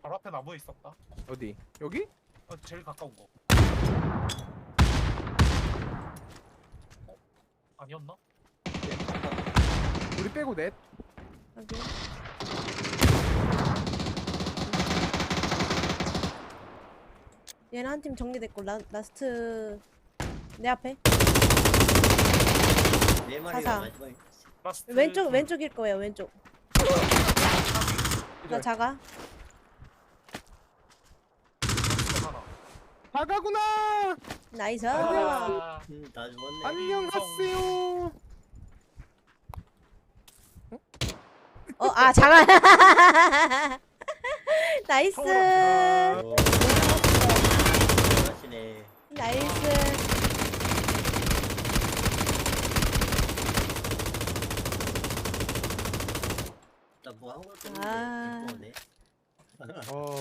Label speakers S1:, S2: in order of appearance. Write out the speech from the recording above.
S1: 바로 앞에 나무에 있었다.
S2: 어디? 여기?
S1: 제일 가까운 거. 아니었나?
S2: 우리 빼고 넷.
S3: 여기. 얘는 한 팀 정리됐고 라스트 내 앞에
S4: 네 마리가
S3: 가자.
S4: 마지막에
S1: 라스트
S3: 왼쪽일 거예요. 왼쪽. 나 작아.
S1: 라스트 하나.
S2: 다가구나.
S3: 나이스.
S1: 아,
S4: 다 죽었네.
S2: 안녕하세요.
S3: 작아. 나이스.
S1: 서울은
S4: 잘하시네.
S3: 나이스.
S4: 나뭐 한 것도
S3: 아.
S4: 없는데.
S2: 어.